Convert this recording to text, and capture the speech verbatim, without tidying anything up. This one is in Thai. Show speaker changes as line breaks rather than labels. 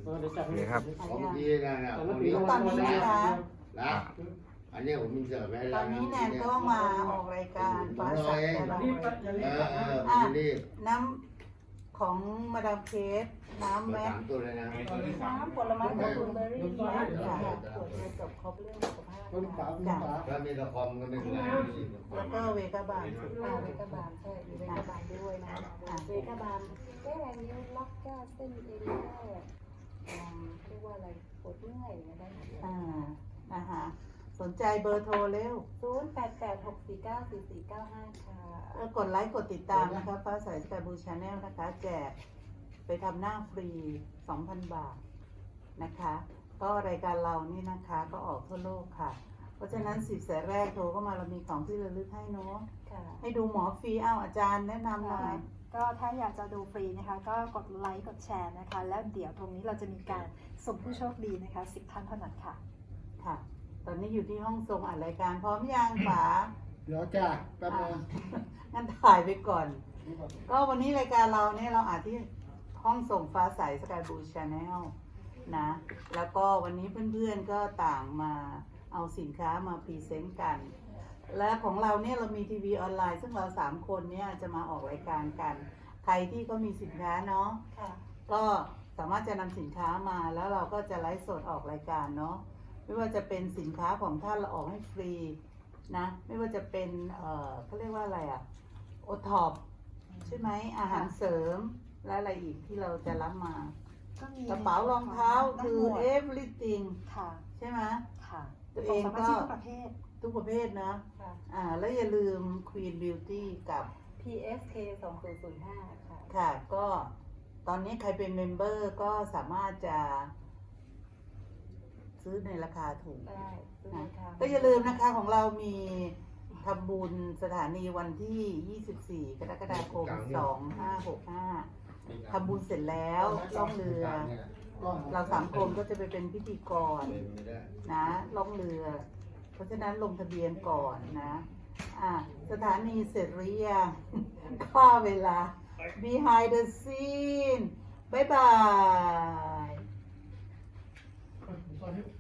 นี่ครับ
ของพี่นะนะ
ต
ข
อ
อน ง
นี้
พี่
นะคะ
นะอันนี้ผมมีเสิร์ฟไว้
ต
แล้
อ
วน
นี้แนนก็มาออกรายการฟ้าใสแต่เรา
เออเออผมรีบ
น้ำของมาดามเคสน้ำ
มา
แม็ก
สามตัวเลยนะ
น้ำผลไม้ของคุณเบอร์รี่ค่ะตรวจเกี่ยวกับครบเรื่องสุขภาพค่ะ
ถ้ามีละครก็ไม่เป็นไร
แล้วก็เวกาบาลสุด
อ่า
ท้าย
เวกาบาลใช่มีเวกาบาลด้วยนะเวกาบาลแก้นิ้วล็อกก้าเส้นเอ็นแก้อ่าเรียกว่าอะไรปวดเมื่อยอะไรได้หมดเลย
อ่านะคะสนใจเบอร์โทรเร็ว
ศูนย์แปดแปดหกสี่เก้าสี่สี่เก้าห้าค่ะ
แล้วกดไลค์กดติดตามนะคะฟ้าใสสกายบูชาแนลนะคะ แจกไปทำหน้าฟรี สองพัน บาทนะคะ ก็รายการเรานี่นะคะก็ออกทั่วโลกค่ะ เพราะฉะนั้นสิบสายแรกโทรเข้ามาเรามีของที่ระลึกให้เนาะ
ค่ะ
ให้ดูหมอฟรีอ้าวอาจารย์แนะนำหน่อย
ก็ถ้าอยากจะดูฟรีนะคะ ก็กดไลค์กดแชร์นะคะ แล้วเดี๋ยวตรงนี้เราจะมีการส่งผู้โชคดีนะคะสิบท่านเท่านั้นค่ะ
ค่ะ ตอนนี้อยู่ที่ห้องทรงอัดรายการพร้อมยังป๋า
เดี๋ยวจ้าแป๊บนึง
งั้นถ่ายไปก่อน ก็วันนี้รายการเราเนี่ยเราอาจที่ห้องส่งฟ้าใสสกายบูชาแนลนะ แล้วก็วันนี้เพื่อนๆก็ต่างมาเอาสินค้ามาพรีเซนต์กัน และของเราเนี่ยเรามีทีวีออนไลน์ ซึ่งเราสามคนเนี่ยจะมาออกรายการกัน ใครที่ก็มีสินค้าเนาะ
ค่ะ
ก็สามารถจะนำสินค้ามาแล้วเราก็จะไลฟ์สดออกรายการเนาะ ไม่ว่าจะเป็นสินค้าของท่านเราออกให้ฟรีนะ ไม่ว่าจะเป็นเอ่อเขาเรียกว่าอะไรอะโอท็อปใช่ไหมอาหารเสริมและอะไรอีกที่เราจะรับมา
ก็มี
กระเป๋ารองเท้าคือ
ทั้งหมด
everything
ค่ะ
ใช่ไหม
ค่ะ
ตัวเอง
ส่สมา
ก็
ชิกทุกประเภท
ทุกประเภทนะ
ค่ะ
อ่าแล้วอย่าลืม Queen Beauty กับ
พี เอส เค สองศูนย์ศูนย์ห้าค่ะ
ค่ะ ก็ตอนนี้ใครเป็นเมมเบอร์ก็สามารถจะซื้อในราคาถูก
ได้ซื้อ
นะ
ในทาง
ก็อย่าลืมนะคะของเรามีทำบุญสถานีวันที่ ยี่สิบสี่ กรกฎาคม สองพันห้าร้อยหกสิบห้าทำบุญเสร็จแล้วล่องเรือ เราสามคนก็จะไปเป็นพิธีกรนะล่องเรือ เพราะฉะนั้นลงทะเบียนก่อนนะอ่ะสถานีเสร็จหรือยัง ค่าเวลา behind the scene บ๊ายบาย